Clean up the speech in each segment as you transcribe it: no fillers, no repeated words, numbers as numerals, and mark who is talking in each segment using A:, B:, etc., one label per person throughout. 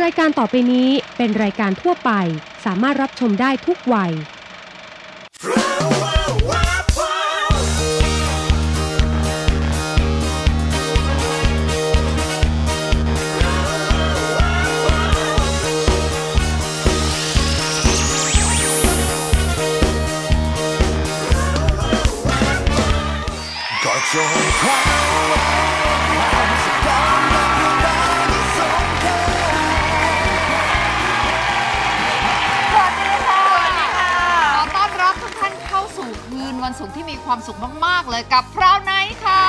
A: รายการต่อไปนี้เป็นรายการทั่วไปสามารถรับชมได้ทุกวัย
B: วันศุกร์ที่มีความสุขมากๆเลยกับพราวไนท์ค่ะ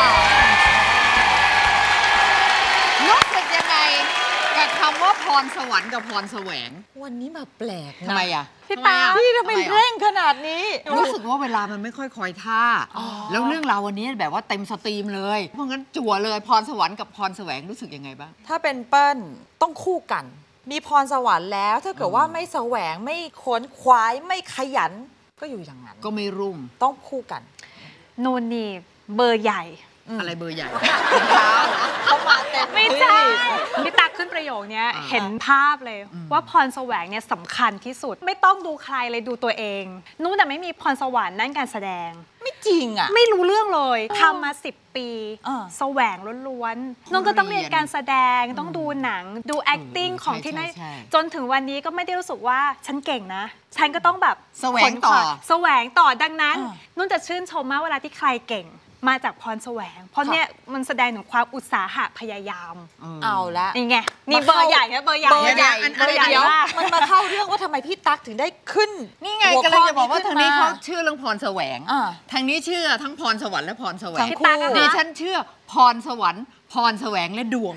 B: รู้สึกยังไงกับคำว่าพรสวรรค์กับพรแสวง
C: วันนี้มาแปลกนะ
B: ทำไมอ่ะ
C: พี่ตาพี่ทำไมเร่งขนาดนี้
B: รู้สึกว่าเวลามันไม่ค่อยคอยท่าแล้วเรื่องราววันนี้แบบว่าเต็มสตรีมเลยเพราะงั้นจั่วเลยพรสวรรค์กับพรแสวงรู้สึกยังไงบ้าง
C: ถ้าเป็นเปิ้ลต้องคู่กันมีพรสวรรค์แล้วถ้าเกิดว่าไม่แสวงไม่ค้นคว้าไม่ขยันก็อยู่อย่างนั้น
B: ก็ไม่รุ่ง
C: ต้องคู่กัน
D: โนนนี่เบอร์ใหญ่
B: อะไรเบอร์ใหญ่
C: เขามาเต็ม
D: ไม่ใช่พี่ตักขึ้นประโยคนี้เห็นภาพเลยว่าพรแสวงเนี่ยสำคัญที่สุดไม่ต้องดูใครเลยดูตัวเองนู้นแต่ไม่มีพรสวรรค์นั่นการแสดง
C: ไม่จริงอ่ะ
D: ไม่รู้เรื่องเลยทำมา10 ปีแสวงล้วนๆน้องก็ต้องเรียนการแสดงต้องดูหนังดู acting ของที่นั่นจนถึงวันนี้ก็ไม่ได้รู้สึกว่าฉันเก่งนะฉันก็ต้องแบบ
B: แสวงต่อ
D: ดังนั้นนุ่นจะชื่นชมมากเวลาที่ใครเก่งมาจากพรแสวงเพราะเนี่ยมันแสดงถึงความอุตสาหะพยายาม
C: เอาละ
D: นี่ไงนี่เบอร์ใหญ่นะเบอร์ใหญ่
C: เดี๋ยวมันมาเข้าเรื่องว่าทำไมพี่ตั๊กถึงได้ขึ้น
B: นี่ไงก็เลยจะบอกว่าทางนี้เขาเชื่อเรื่องพรแสวงทางนี้เชื่อทั้งพรสวรรค์และพรแสวงดิฉันเชื่อพรสวรรค์พรแสวงและดวง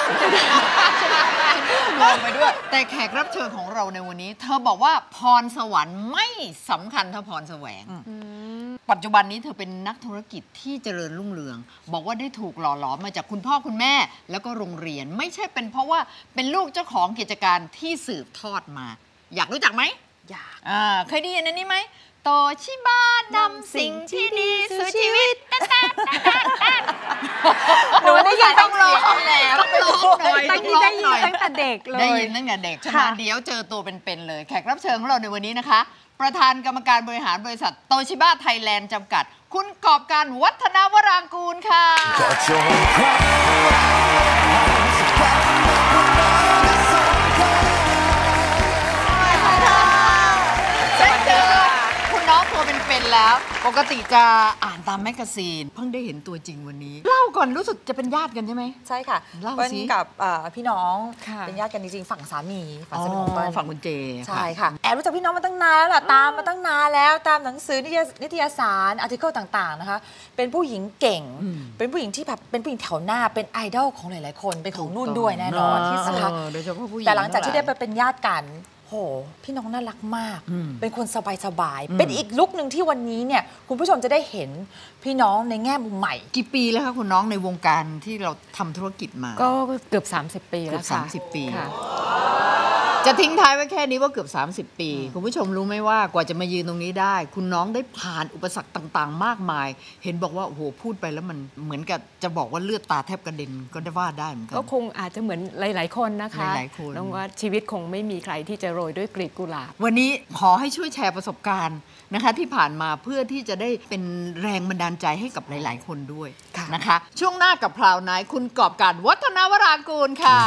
B: ลงไปด้วยแต่แขกรับเชิญของเราในวันนี้เธอบอกว่าพรสวรรค์ไม่สำคัญเท่าพรแสวงปัจจุบันนี้เธอเป็นนักธุรกิจที่เจริญรุ่งเรืองบอกว่าได้ถูกหล่อหลอมมาจากคุณพ่อคุณแม่แล้วก็โรงเรียนไม่ใช่เป็นเพราะว่าเป็นลูกเจ้าของกิจการที่สืบทอดมาอยากรู้จักไหม
C: อยาก
B: เคยได้ยินอันนี้ไหมโตชิบะนำสิ่งที่ดีสู่ชีวิต
D: หนูได้ยิน
B: ต้องร้องแล้วต้องร้องหน่อย
D: ตั้งแต่เด็กเลย
B: ได้ยินตั้งแต่เด็กใช่ไหมเดี๋ยวเจอตัวเป็นๆเลยแขกรับเชิญของเราในวันนี้นะคะประธานกรรมการบริหารบริษัทโตชิบะไทยแลนด์จำกัดคุณกอบการวัฒนวรางกูลค่ะน้องตัวเป็นๆแล้วปกติจะอ่านตามแมกกาซีนเพิ่งได้เห็นตัวจริงวันนี้เล่าก่อนรู้สึกจะเป็นญาติกันใช่ไหม
C: ใช่ค่ะเปิ้ลกับพี่น้องเป็นญาติกันจริงๆฝั่งสามีฝั่งสามีของเปิ้ล
B: ฝั่งคุณเจ
C: ใช่ค่ะแอบรู้จักพี่น้องมาตั้งนานแล้วล่ะตามมาตั้งนานแล้วตามหนังสือนิตยสารอาร์ติเคิลต่างๆนะคะเป็นผู้หญิงเก่งเป็นผู้หญิงที่แบบเป็นผู้หญิงแถวหน้าเป็นไอดอลของหลายๆคนเป็นของนุ่นด้วยแน่นอนนะคะแต่หลังจากที่ได้ไปเป็นญาติกันโหพี่น้องน่ารักมากเป็นคนสบายๆเป็นอีกลุคหนึ่งที่วันนี้เนี่ยคุณผู้ชมจะได้เห็นพี่น้องในแง่มุมใหม่
B: กี่ปีแล้วคะคุณน้องในวงการที่เราทำธุรกิจมา
E: ก็เกือบ30 ปีแล้วค่ะ
B: 30 ปีจะทิ้งท้ายไว้แค่นี้ว่าเกือบ30 ปีคุณผู้ชมรู้ไหมว่ากว่าจะมายืนตรงนี้ได้คุณน้องได้ผ่านอุปสรรคต่างๆมากมายเห็นบอกว่าโอ้โหพูดไปแล้วมันเหมือนกับจะบอกว่าเลือดตาแทบกระเด็นก็ได้ว่าได้เหมือนกัน
E: ก็คงอาจจะเหมือนหลายๆคนนะคะน้องว่าชีวิตคงไม่มีใครที่จะโรยด้วยกลีบกุหลาบ
B: วันนี้ขอให้ช่วยแชร์ประสบการณ์นะคะที่ผ่านมาเพื่อที่จะได้เป็นแรงบันดาลใจให้กับหลายๆคนด้วยนะคะช่วงหน้ากับพราวไนท์คุณกอบการวัฒนวรางกูลค่ะ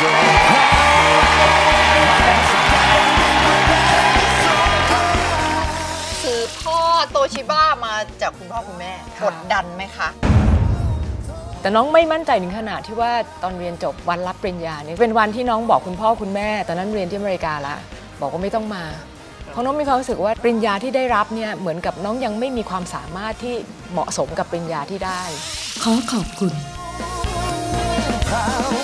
B: สืบทอดโตชิบะมาจากคุณพ่อคุณแม่กดดันไหมคะ
E: แต่น้องไม่มั่นใจถึงขนาดที่ว่าตอนเรียนจบวันรับปริญญาเนี่ยเป็นวันที่น้องบอกคุณพ่อคุณแม่ตอนนั้นเรียนที่อเมริกาละบอกว่าไม่ต้องมาเพราะน้องมีความรู้สึกว่าปริญญาที่ได้รับเนี่ยเหมือนกับน้องยังไม่มีความสามารถที่เหมาะสมกับปริญญาที่ได้
A: ขอขอบคุณ